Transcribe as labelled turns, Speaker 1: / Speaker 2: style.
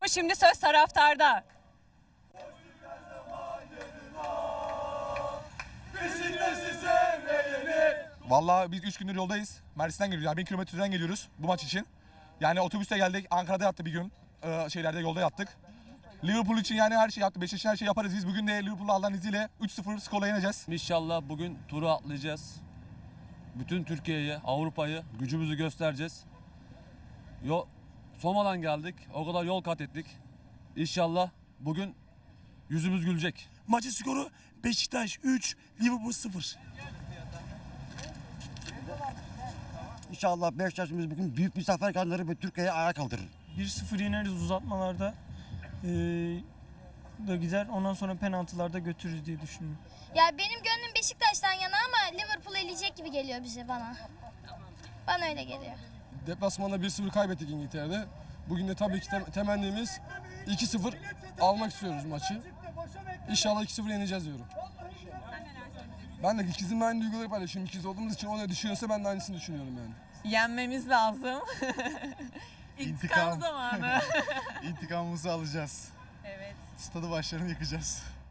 Speaker 1: Şimdi söz taraftarda.
Speaker 2: Vallahi biz 3 gündür yoldayız. Mersin'den geliyoruz. Yani 1000 kilometreden geliyoruz bu maç için. Yani otobüste geldik. Ankara'da yattık bir gün. Yolda yattık. Liverpool için yani her şey yaptık. Beşiktaş için her şey yaparız. Biz bugün de Liverpool'u Allah'ın izniyle 3-0 skorla yeneceğiz.
Speaker 3: İnşallah bugün turu atlayacağız. Bütün Türkiye'yi, Avrupa'yı gücümüzü göstereceğiz. Soma'dan geldik. O kadar yol kat ettik. İnşallah bugün yüzümüz gülecek.
Speaker 4: Maçın skoru Beşiktaş 3, Liverpool 0.
Speaker 5: İnşallah Beşiktaş'ımız bugün büyük bir zafer kazanır ve Türkiye'yi ayağa kaldırır.
Speaker 6: 1-0 yeneriz uzatmalarda. Da gider. Ondan sonra penaltılarda götürürüz diye düşünüyorum.
Speaker 7: Ya benim gönlüm Beşiktaş'tan yana ama Liverpool eleyecek gibi geliyor bana. Bana öyle geliyor.
Speaker 8: Deplasmanda 1-0 kaybettik İngiltere'de. Bugün de tabii ki temennimiz 2-0 almak istiyoruz maçı. İnşallah 2-0 yeneceğiz diyorum. Ben de ikizimle aynı duyguları paylaşıyorum. İkiz olduğumuz için o ne düşünüyorsa ben de aynısını düşünüyorum yani.
Speaker 1: Yenmemiz lazım. İntikam zamanı.
Speaker 9: İntikamımızı alacağız.
Speaker 1: Evet.
Speaker 9: Stadı başlarını yıkacağız.